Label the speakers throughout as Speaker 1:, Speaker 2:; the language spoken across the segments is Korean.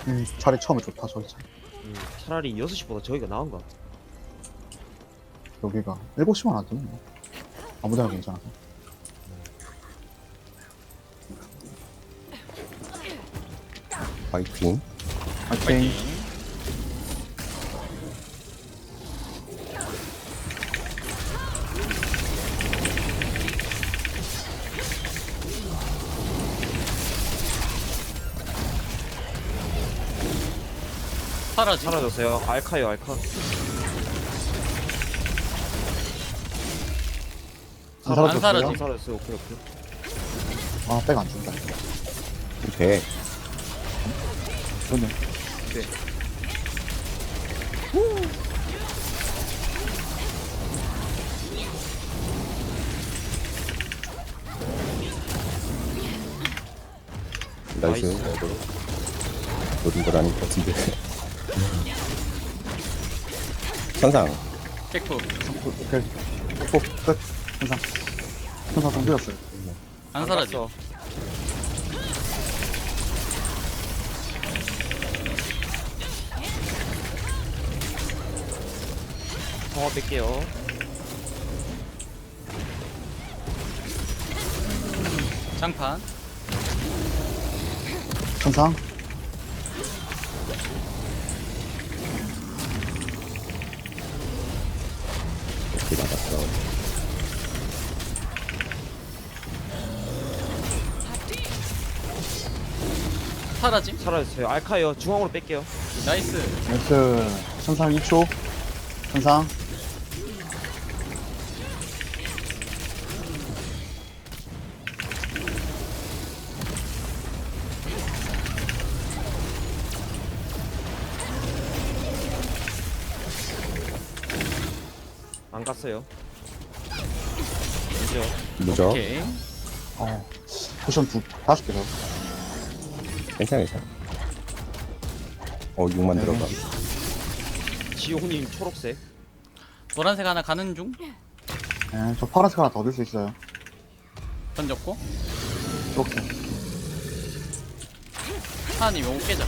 Speaker 1: 자리 처음에 좋다 저기 자리.
Speaker 2: 차라리 6시보다 저기가 나은 것 같아.
Speaker 1: 여기가 7시만 안 되면 뭐. 아무데나 괜찮아서.
Speaker 3: 파이팅.
Speaker 1: 파이팅.
Speaker 4: 사라지.
Speaker 2: 사라졌어요. 알카요, 알카.
Speaker 1: 안
Speaker 4: 안
Speaker 1: 사라졌어요?
Speaker 4: 사라지.
Speaker 2: 사라졌어요. 오케이, 오케이.
Speaker 1: 아, 백 안 준다.
Speaker 3: 돼.
Speaker 1: 좋네.
Speaker 2: 네.
Speaker 3: 나이스. 노린 걸 아닌 것 같은데. 천상.
Speaker 4: 백프.
Speaker 1: 오케이. 끝. 현상. 현상 동기였어요.
Speaker 4: 안 사라지.
Speaker 2: 갔어. 성화 뺄게요.
Speaker 4: 장판.
Speaker 1: 현상.
Speaker 3: 이렇게 맞았어.
Speaker 4: 사라짐.
Speaker 2: 사라졌어요. 알카요. 중앙으로 뺄게요.
Speaker 4: 나이스.
Speaker 1: 나이스. 현상 2초. 현상.
Speaker 2: 안 갔어요. 이죠.
Speaker 3: 무적.
Speaker 4: 오케이.
Speaker 1: 포션 5개 더.
Speaker 3: 괜찮아, 괜찮아. 6만 들어가.
Speaker 2: 지호님 초록색.
Speaker 4: 노란색 하나 가는 중.
Speaker 1: 네, 저 파란색 하나 더 얻을 수 있어요.
Speaker 4: 던졌고.
Speaker 1: 이렇게.
Speaker 4: 하나님 요거 깨자.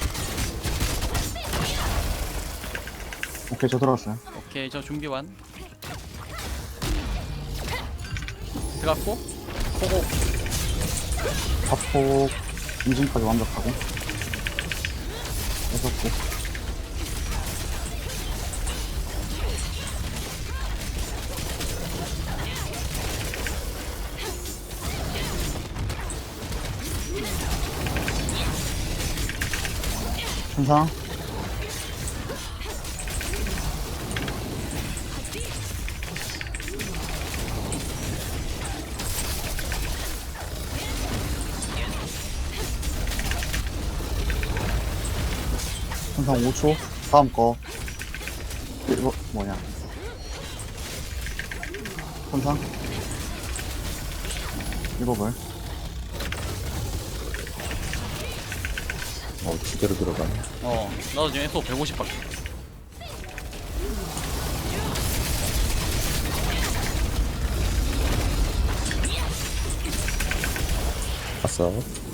Speaker 1: 오케이, 저 들어갔어요.
Speaker 4: 오케이 저 준비 완. 들어갔고. 보고.
Speaker 1: 자폭. 인증까지 완벽하고. 6개. 현상. 현상 5초. 다음 거. 이거 뭐냐? 현상. 이거를.
Speaker 3: 제대로 들어가.
Speaker 4: 나도 지금 SO 150밖에.
Speaker 3: 봤어.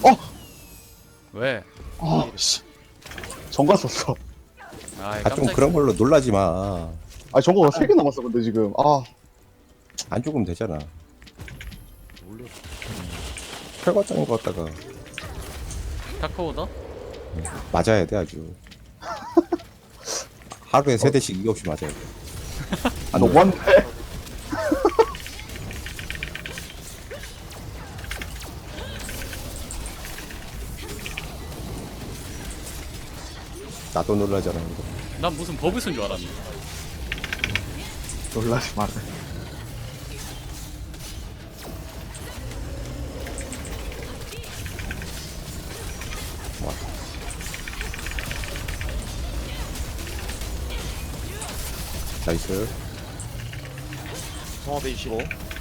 Speaker 4: 왜?
Speaker 1: 씨. 정가 썼어.
Speaker 4: 아
Speaker 3: 좀 그런 걸로 놀라지 마.
Speaker 1: 아, 정가가 3개 남았어, 근데 지금.
Speaker 3: 안 죽으면 되잖아. 철거장인 것 같다가
Speaker 4: 다크오더.
Speaker 3: 맞아야 돼, 아주. 하루에 3대씩 이거 없이 맞아야 돼.
Speaker 1: 너무한데?
Speaker 3: 나도 놀라잖아, 이거.
Speaker 4: 난 무슨 버블 쓴 줄 알았네.
Speaker 1: 놀라지 마라.
Speaker 3: 나이스.
Speaker 2: 성화 빼주시고.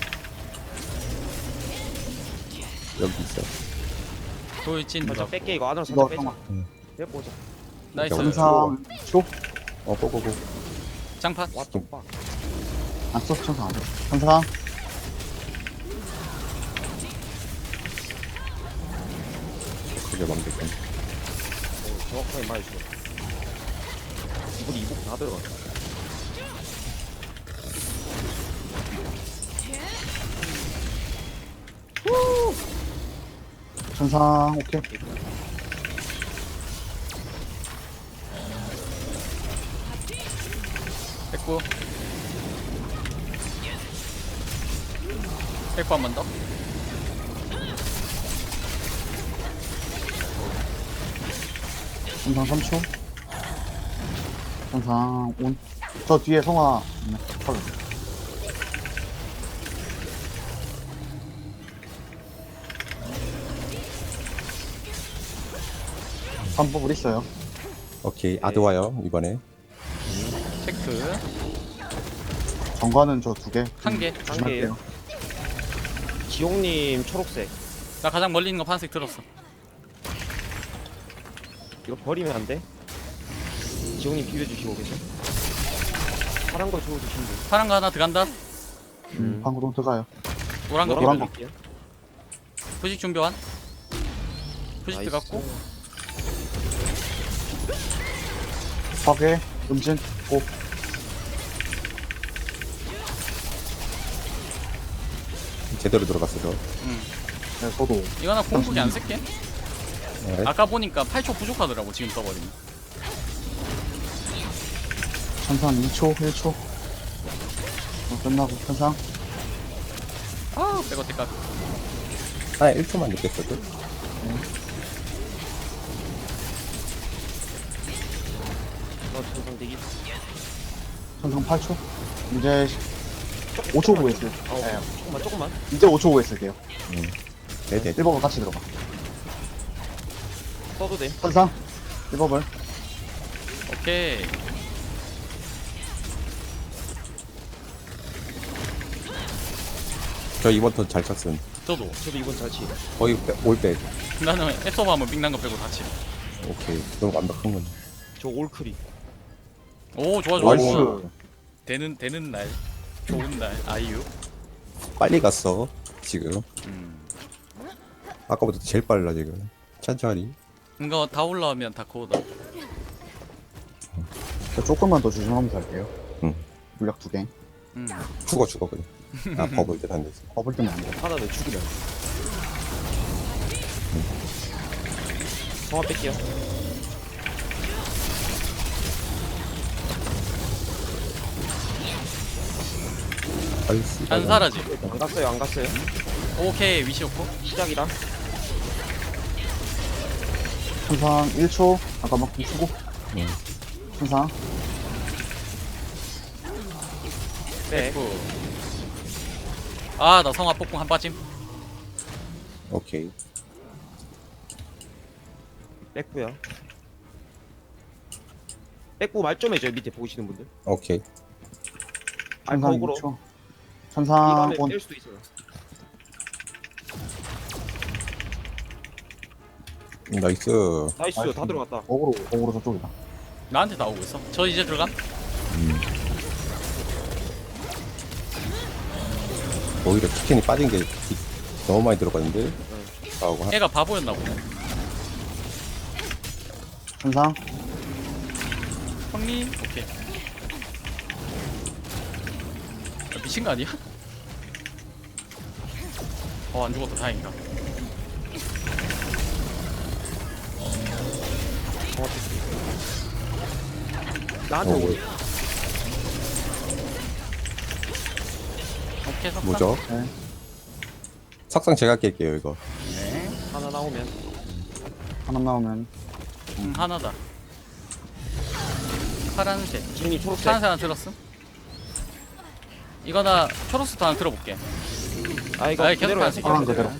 Speaker 3: 여기 있어.
Speaker 4: 돌진
Speaker 2: 살짝
Speaker 4: 들어갔고.
Speaker 2: 뺄게. 이거 안으로
Speaker 1: 이거
Speaker 2: 살짝 빼자.
Speaker 1: 잠깐만.
Speaker 2: 빼보자.
Speaker 4: 나이스.
Speaker 1: 현상 2초.
Speaker 3: 고고고.
Speaker 4: 장판.
Speaker 2: 왓더 빡.
Speaker 1: 안 썼어, 현상 안 돼. 현상.
Speaker 3: 크게 만들건.
Speaker 2: 정확하게 말해줘. 이분이 이복 다 들어갔다.
Speaker 1: 천상 오케이.
Speaker 4: 백구. 백구 한 번 더.
Speaker 1: 천상 3초. 천상 온. 저 뒤에 성화. 네, 털. 반복을 있어요.
Speaker 3: 오케이. 아드 와요, 이번에.
Speaker 4: 체크.
Speaker 1: 정관은 저 2개.
Speaker 4: 한 개.
Speaker 2: 한 개예요. 지용님 초록색.
Speaker 4: 나 가장 멀리 있는 거 파란색 들었어.
Speaker 2: 이거 버리면 안 돼. 지용님 비벼주시고 계셔. 파란 거 주워주시면 돼.
Speaker 4: 파란 거 하나 들어간다.
Speaker 1: 방구동 들어가요.
Speaker 4: 노란 거
Speaker 1: 노란 거.
Speaker 2: 드릴게요.
Speaker 4: 부식 준비 완. 부식
Speaker 2: 나이스.
Speaker 4: 들어갔고.
Speaker 1: 파괴, 음진, 고.
Speaker 3: 제대로 들어갔어, 저.
Speaker 1: 네, 저도.
Speaker 4: 이거는 공속이 안 쓸게.
Speaker 3: 네.
Speaker 4: 아까 보니까 8초 부족하더라고 지금 써버리면.
Speaker 1: 천상 2초, 1초. 끝나고 천상.
Speaker 4: 아 백어 때까.
Speaker 3: 아, 1초만 늦겠어도.
Speaker 2: 천상 대기.
Speaker 1: 천상 8초. 이제 5초 후에 쓸. 네,
Speaker 2: 조금만.
Speaker 1: 이제 5초 후에 쓸게요.
Speaker 3: 네네.
Speaker 1: 1법을 같이 들어가.
Speaker 2: 써도 돼.
Speaker 1: 천상. 1법을.
Speaker 4: 오케이.
Speaker 3: 저 이번 턴 잘 쳤음.
Speaker 4: 저도.
Speaker 2: 저도 이번 잘 치.
Speaker 3: 거의 올백.
Speaker 4: 나는 앱서버 하면 빅난 거 빼고 다 치.
Speaker 3: 오케이. 너무 완벽한 건.
Speaker 2: 저 올크리.
Speaker 4: 오 좋아 좋아.
Speaker 1: 나이스.
Speaker 4: 좋아. 되는 날. 좋은 날. 아이유.
Speaker 3: 빨리 갔어, 지금.
Speaker 4: 음.
Speaker 3: 아까보다 제일 빨라, 지금. 천천히.
Speaker 4: 이거 다 올라오면 다 코어다.
Speaker 1: 저 조금만 더 조심하면서 할게요.
Speaker 3: 응.
Speaker 1: 물약 2개.
Speaker 3: 죽어, 그냥. 아, 버블 때안 됐어.
Speaker 1: 버블 때문에 안 돼.
Speaker 2: 하나 더 죽이면. 성화 뺄게요.
Speaker 3: 나이스.
Speaker 4: 안 사라지.
Speaker 2: 안 갔어요, 안 갔어요.
Speaker 4: 오케이 위치 좋고.
Speaker 2: 시작이라.
Speaker 1: 천상 1초. 잠깐만, 주고. 천상.
Speaker 2: 네.
Speaker 4: 아나 성화 폭풍 한 빠짐.
Speaker 3: 오케이.
Speaker 2: 뺐고요. 뺐고 말 좀 해줘요, 밑에 보시는 분들.
Speaker 3: 오케이.
Speaker 1: 천상
Speaker 2: 거꾸로.
Speaker 1: 2초.
Speaker 2: 이
Speaker 1: 천상
Speaker 2: 밤에
Speaker 1: 온.
Speaker 2: 뺄 수도 있어요.
Speaker 3: 나이스.
Speaker 2: 나이스, 다 들어갔다.
Speaker 1: 어그로 저쪽이다.
Speaker 4: 나한테 나오고 있어. 저 이제 들어감.
Speaker 3: 오히려 치킨이 빠진 게 너무 많이 들어갔는데. 하고
Speaker 4: 애가 바보였나 보네.
Speaker 1: 천상.
Speaker 4: 형님 오케이. 야, 미친 거 아니야? 안 죽었다 다행이다.
Speaker 2: 나한테 오고.
Speaker 4: 오케이 석상.
Speaker 3: 뭐죠?
Speaker 1: 네.
Speaker 3: 석상 제가 깰게요, 이거.
Speaker 2: 하나 나오면.
Speaker 1: 하나 나오면.
Speaker 4: 하나다. 파란색.
Speaker 2: 지민이 초록색.
Speaker 4: 파란색 하나 들었음. 이거 나 초록색도 하나 들어볼게.
Speaker 2: 아, 이거
Speaker 4: 아니, 계속
Speaker 2: 그대로
Speaker 4: 파란색.
Speaker 1: 파란 그대로.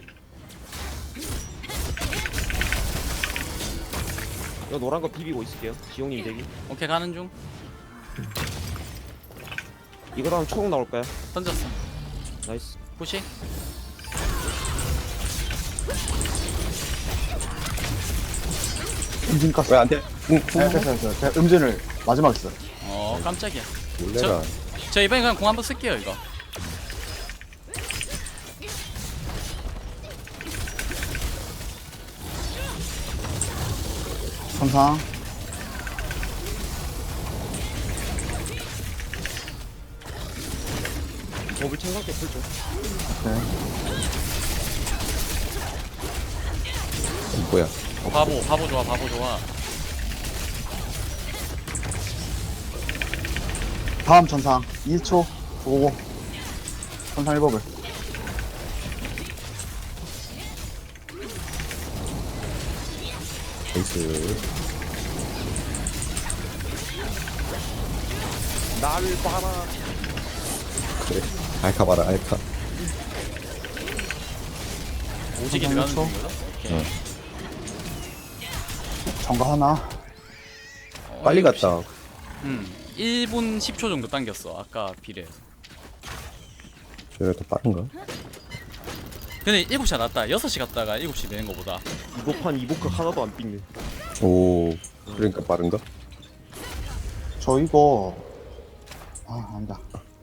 Speaker 2: 이거 노란 거 비비고 있을게요. 지용님 대기.
Speaker 4: 오케이 가는 중.
Speaker 2: 이거 다음 초록 나올까요?
Speaker 4: 던졌어.
Speaker 2: 나이스.
Speaker 4: 부시.
Speaker 1: 음진 깠어.
Speaker 3: 왜 안 돼?
Speaker 1: 네, 됐어요. 제가 음진을 마지막에 써요.
Speaker 4: 깜짝이야.
Speaker 3: 몰래라.
Speaker 4: 저 이번에 그냥 공 한번 쓸게요 이거.
Speaker 1: 천상.
Speaker 2: 법을 챙각게 풀죠.
Speaker 1: 오케이.
Speaker 3: 뭐야?
Speaker 4: 바보 좋아, 바보 좋아.
Speaker 1: 다음 천상. 2초. 오고. 천상 1법을.
Speaker 3: 베이스.
Speaker 2: 나를 봐라.
Speaker 3: 그래. 알카 봐라, 알카.
Speaker 4: 오지게
Speaker 1: 잠깐만,
Speaker 4: 들어가는
Speaker 1: 초.
Speaker 4: 거죠? 오케이.
Speaker 3: 응.
Speaker 1: 정가 하나.
Speaker 3: 빨리
Speaker 4: 일곱 시.
Speaker 3: 갔다.
Speaker 4: 1분 10초 정도 당겼어. 아까 비례.
Speaker 3: 저래 더 빠른가?
Speaker 4: 근데 7시 낫다. 6시 갔다가 7시 되는 거보다.
Speaker 2: 이보판 이보크 하나도 안 삑네.
Speaker 3: 오, 그러니까 빠른가?
Speaker 1: 저 이거. 아, 아니다.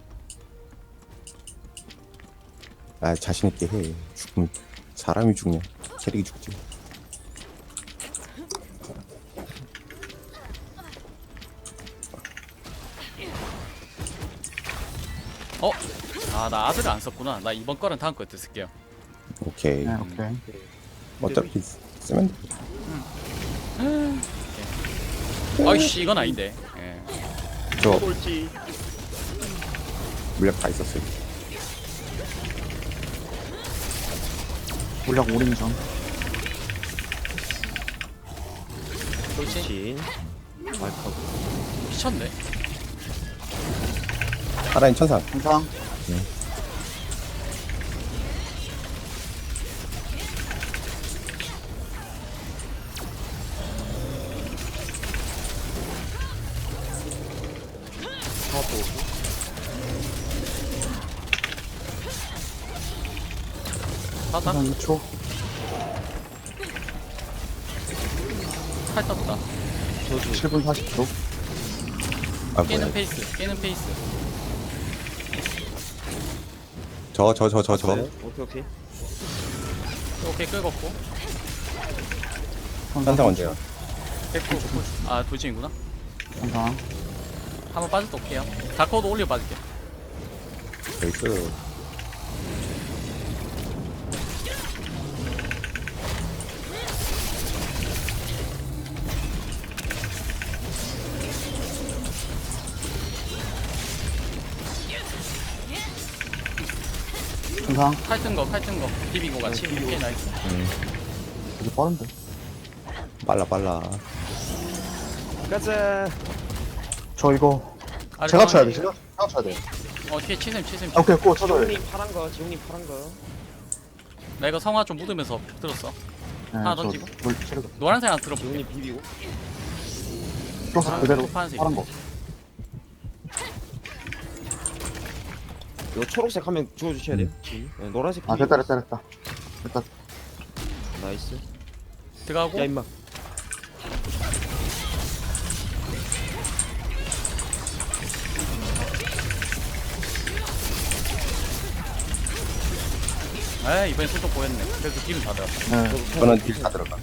Speaker 3: 아, 자신있게 해. 죽으면 사람이 죽냐? 캐릭이 죽지.
Speaker 4: 어? 아, 나 아들을 안 썼구나. 나 이번 거랑 다음 거에 쓸게요.
Speaker 3: 오케이.
Speaker 1: 네, 오케이.
Speaker 3: 어차피 쓰면 돼.
Speaker 4: 아이씨, 이건 아닌데. 예.
Speaker 3: 저
Speaker 2: 꼴찌.
Speaker 3: 물약 다 있었어요.
Speaker 1: 물약 오링전.
Speaker 4: 그렇지.
Speaker 2: 진. 말카고.
Speaker 4: 미쳤네.
Speaker 3: 하라인 천상.
Speaker 1: 천상.
Speaker 2: 사도.
Speaker 4: 하다.
Speaker 1: 천상 2초.
Speaker 4: 칼 떴다.
Speaker 2: 저주.
Speaker 1: 7분 40초.
Speaker 3: 아, 뭐야.
Speaker 4: 깨는 페이스. 깨는 페이스.
Speaker 3: 저.
Speaker 2: 오케이 오케이.
Speaker 4: 오케이, 끌었고.
Speaker 3: 천상 언제야?
Speaker 4: 백프. 아, 돌진이구나.
Speaker 1: 천상.
Speaker 4: 한번 빠졌다 올게요. 다커도 올려 빠질게.
Speaker 3: 베이스.
Speaker 1: 천상.
Speaker 4: 칼 뜬 거. 비비고 같이. 오케이, 나이스.
Speaker 1: 되게 빠른데.
Speaker 3: 빨라.
Speaker 2: 가자.
Speaker 1: 저 이거.
Speaker 4: 아래
Speaker 1: 제가 쳐야
Speaker 4: 상황이-
Speaker 1: 돼. 제가 쳐야 돼.
Speaker 4: 뒤에 치셈.
Speaker 1: 아, 오케이, 꼭 쳐줘야 돼.
Speaker 2: 지웅님 파란 거. 지웅님 파란 거.
Speaker 4: 나 이거 성화 좀 묻으면서 들었어.
Speaker 1: 네,
Speaker 4: 하나
Speaker 1: 저
Speaker 4: 던지고.
Speaker 1: 물 치르고.
Speaker 4: 노란색 하나 들어.
Speaker 2: 지웅님 비비고.
Speaker 1: 플러스 그대로
Speaker 4: 파란색.
Speaker 1: 파란 거.
Speaker 2: 이거 초록색 하면 주워주셔야 돼요. 네, 노란색.
Speaker 1: 아,
Speaker 2: 비비고.
Speaker 1: 됐다. 됐다.
Speaker 2: 나이스.
Speaker 4: 들어가고.
Speaker 2: 야 임마.
Speaker 4: 에 이번엔 손톱 보였네. 그래도 기분 다 들었다.
Speaker 1: 네.
Speaker 3: 저는 딜 다 들어가.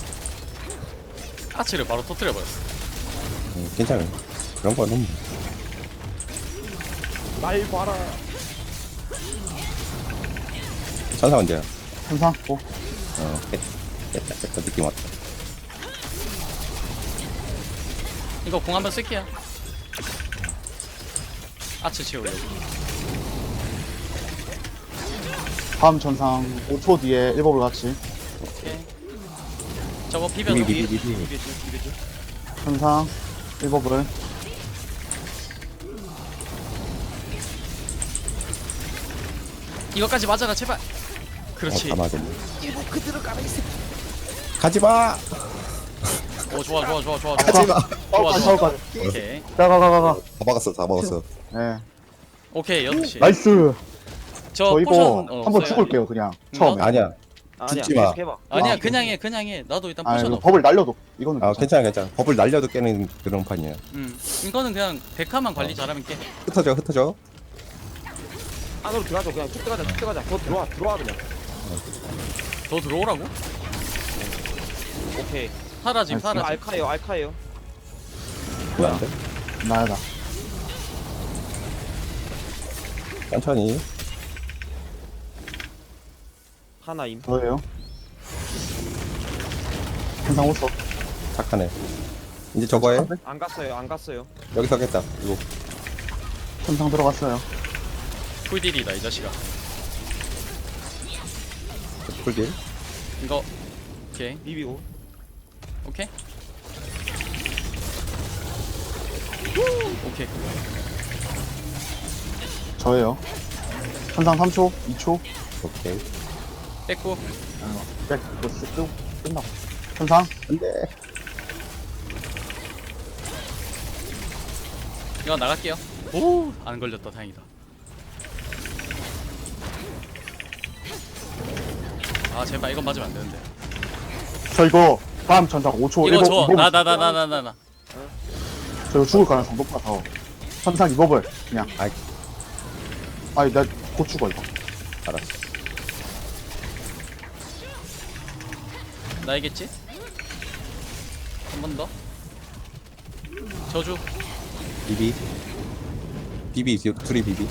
Speaker 4: 아치를 바로 터뜨려 버렸어.
Speaker 3: 괜찮아요. 그런 거는
Speaker 2: 날 봐라.
Speaker 3: 천상 언제야?
Speaker 1: 천상. 꼭.
Speaker 3: 깼다. 느낌 왔다.
Speaker 4: 이거 공 한번 쓸게요. 아치 채우려고.
Speaker 1: 다음 천상 5초 뒤에 1법을 같이.
Speaker 4: 오케이. 저거 비벼서.
Speaker 3: 비비.
Speaker 2: 비벼지.
Speaker 1: 천상 1법을.
Speaker 4: 이거까지 맞아라 제발. 그렇지.
Speaker 3: 다 맞았네. 가지마!
Speaker 4: 오 좋아.
Speaker 3: 가지마!
Speaker 4: 좋아.
Speaker 1: 서울까지.
Speaker 4: 오케이.
Speaker 1: 가.
Speaker 3: 다 먹었어.
Speaker 1: 네.
Speaker 4: 오케이 6시.
Speaker 1: 나이스.
Speaker 4: 저
Speaker 1: 저 이거
Speaker 4: 포션
Speaker 1: 한번
Speaker 4: 써요.
Speaker 1: 죽을게요, 그냥.
Speaker 4: 응,
Speaker 1: 처음에.
Speaker 3: 아니야.
Speaker 2: 아니야.
Speaker 3: 죽지 마.
Speaker 2: 계속 해봐.
Speaker 4: 아니야
Speaker 1: 아,
Speaker 4: 그냥 해. 나도 일단
Speaker 1: 아,
Speaker 4: 포션
Speaker 1: 이거
Speaker 4: 없어.
Speaker 1: 법을 날려도. 이거는.
Speaker 3: 아, 괜찮아. 법을 날려도 깨는 그런 판이야.
Speaker 4: 이거는 그냥 데카만 관리 잘하면 깨.
Speaker 3: 흩어져.
Speaker 2: 안으로 들어가자. 그냥 쭉 들어가자. 더 들어와 그냥.
Speaker 4: 더 들어오라고?
Speaker 2: 오케이.
Speaker 4: 사라짐
Speaker 1: 아니,
Speaker 2: 이거
Speaker 4: 사라짐.
Speaker 2: 알카예요 알카예요.
Speaker 3: 왜안 돼?
Speaker 1: 나야다.
Speaker 3: 천천히.
Speaker 2: 하나임.
Speaker 1: 저예요. 천상 5초.
Speaker 3: 착하네. 이제 저거 해.
Speaker 2: 안 갔어요 안 갔어요.
Speaker 3: 여기서 하겠다. 이거.
Speaker 1: 천상 들어갔어요.
Speaker 4: 풀딜이다 이 자식아.
Speaker 3: 풀길.
Speaker 4: 이거 오케이
Speaker 2: 비비고.
Speaker 4: 오케이. 오케이.
Speaker 1: 저예요. 천상 3초, 2초.
Speaker 3: 오케이.
Speaker 4: 뺐고
Speaker 1: 백, 이거 쓱 끝나고. 천상.
Speaker 3: 안 돼.
Speaker 4: 이거 나갈게요. 오, 안 걸렸다. 다행이다. 아, 제발 이건 맞으면 안 되는데.
Speaker 1: 저 이거 다음 천상 5초.
Speaker 4: 이거
Speaker 1: 일곱,
Speaker 4: 줘.
Speaker 1: 이번
Speaker 4: 나.
Speaker 1: 저 이거 죽을 가능성 높아서. 천상 2법을 그냥.
Speaker 3: 아이.
Speaker 1: 아니 나 곧 죽어 이거.
Speaker 3: 알았어.
Speaker 4: 나이겠지? 한 번 더. 저주.
Speaker 3: 비비. 비비, 둘이 비비.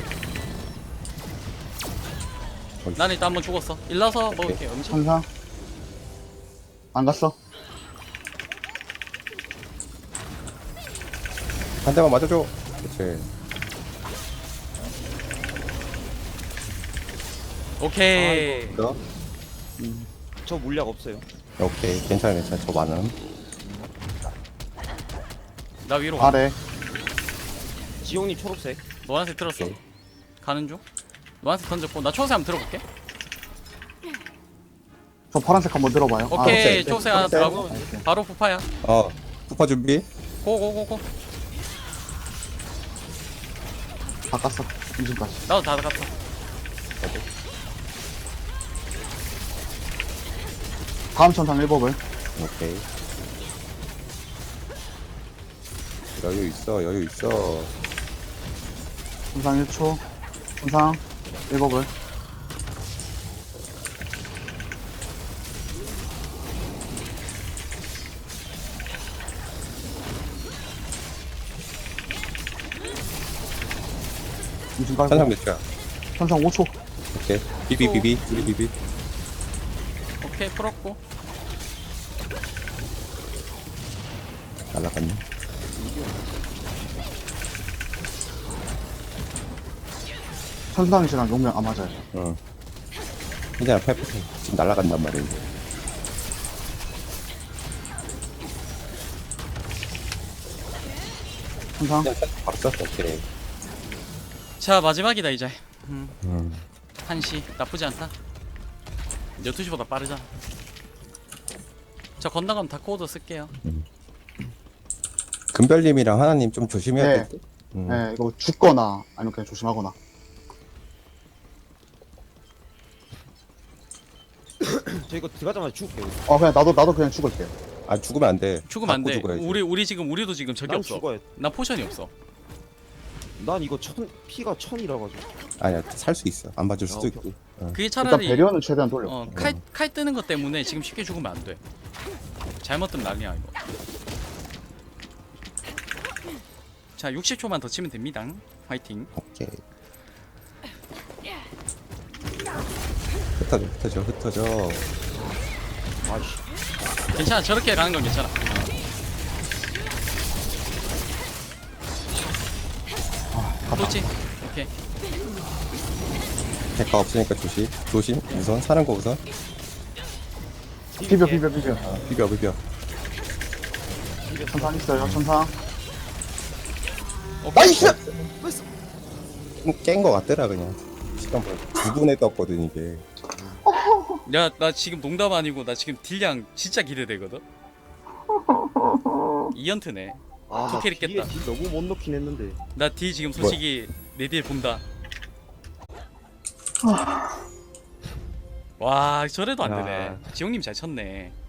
Speaker 4: 난 일단 한 번 죽었어. 일러서 먹을게. 음식.
Speaker 1: 천상. 안 갔어.
Speaker 3: 한 대만 맞아줘. 그렇지.
Speaker 4: 오케이.
Speaker 3: 너?
Speaker 2: 저 물약 없어요.
Speaker 3: 오케이. 괜찮아. 저 많음.
Speaker 4: 나 위로.
Speaker 1: 아래.
Speaker 2: 지용님 초록색.
Speaker 4: 노란색 들었어.
Speaker 3: 오케이.
Speaker 4: 가는 중. 노란색 던졌고 나 초록색 한번 들어볼게.
Speaker 1: 저 파란색 한번 들어봐요.
Speaker 4: 오케이.
Speaker 3: 오케이.
Speaker 4: 초록색 하나
Speaker 3: 초록색.
Speaker 4: 들어가고
Speaker 1: 오케이.
Speaker 4: 바로 푸파야.
Speaker 3: 푸파 준비.
Speaker 4: 고고고고.
Speaker 1: 바꿨어. 임신까지.
Speaker 4: 나도 다 갔어.
Speaker 1: 다음 천상 1법을.
Speaker 3: 오케이. 여유 있어. 여유 있어.
Speaker 1: 천상 1초. 천상 1법을. 임신 깔고.
Speaker 3: 천상 몇 초야?
Speaker 1: 천상 5초.
Speaker 3: 오케이. 비비. 둘이 비비.
Speaker 4: 오케이 풀었고.
Speaker 3: 날라갔네.
Speaker 1: 천상이시랑 용명 안 맞아요.
Speaker 3: 응. 괜찮아. 페퍼 지금 날라간단 말이야. 이제.
Speaker 1: 천상.
Speaker 3: 그냥 바로 썼어. 오케이.
Speaker 4: 자 마지막이다 이제.
Speaker 3: 음.
Speaker 4: 1시 나쁘지 않다. 12시보다 빠르잖아. 저 건너가면 다코오도 쓸게요.
Speaker 3: 금별님이랑 하나님 좀 조심해야
Speaker 1: 네.
Speaker 3: 될 듯.
Speaker 1: 네, 이거 죽거나 아니면 그냥 조심하거나.
Speaker 2: 저 이거 들어가자마자 죽을게요.
Speaker 1: 그냥 나도 그냥 죽을게요.
Speaker 3: 아 죽으면 안 돼.
Speaker 4: 죽으면 안
Speaker 3: 받고
Speaker 4: 돼.
Speaker 3: 죽어야지.
Speaker 4: 우리도 지금 적이
Speaker 2: 난
Speaker 4: 없어.
Speaker 2: 죽어야.
Speaker 4: 나 포션이 없어.
Speaker 2: 난 이거 피가 1000이라 가지고.
Speaker 3: 아니야 살 수 있어. 안 봐줄 수도
Speaker 2: 오케이.
Speaker 3: 있고.
Speaker 4: 그게
Speaker 1: 일단
Speaker 4: 차라리
Speaker 1: 배려는 최대한 돌려.
Speaker 4: 칼 뜨는 것 때문에 지금 쉽게 죽으면 안 돼. 잘못 뜨면 난리야 이거. 자 60초만 더 치면 됩니다. 화이팅.
Speaker 3: 오케이. 흩어져.
Speaker 2: 아이씨.
Speaker 4: 괜찮아 저렇게 가는 건 괜찮아. 그렇지. 오케이.
Speaker 3: 대가 없으니까 조심. 우선 사는 거 우선.
Speaker 1: 비벼.
Speaker 3: 비벼.
Speaker 1: 천상 있어요. 천상.
Speaker 4: 오케이.
Speaker 3: 깬 거 같더라 그냥. 시간 뭐 9분에 떴거든 이게.
Speaker 4: 야 나 지금 농담 아니고 나 지금 딜량 진짜 기대되거든. 이연트네.
Speaker 2: 아,
Speaker 4: 캐릭
Speaker 2: 뒤에
Speaker 4: 깼다.
Speaker 2: 딜 너무 못 넣긴 했는데.
Speaker 4: 나 딜 지금 솔직히 내 딜 본다. 와 저래도 안 되네.
Speaker 2: 야.
Speaker 4: 지용님 잘 쳤네.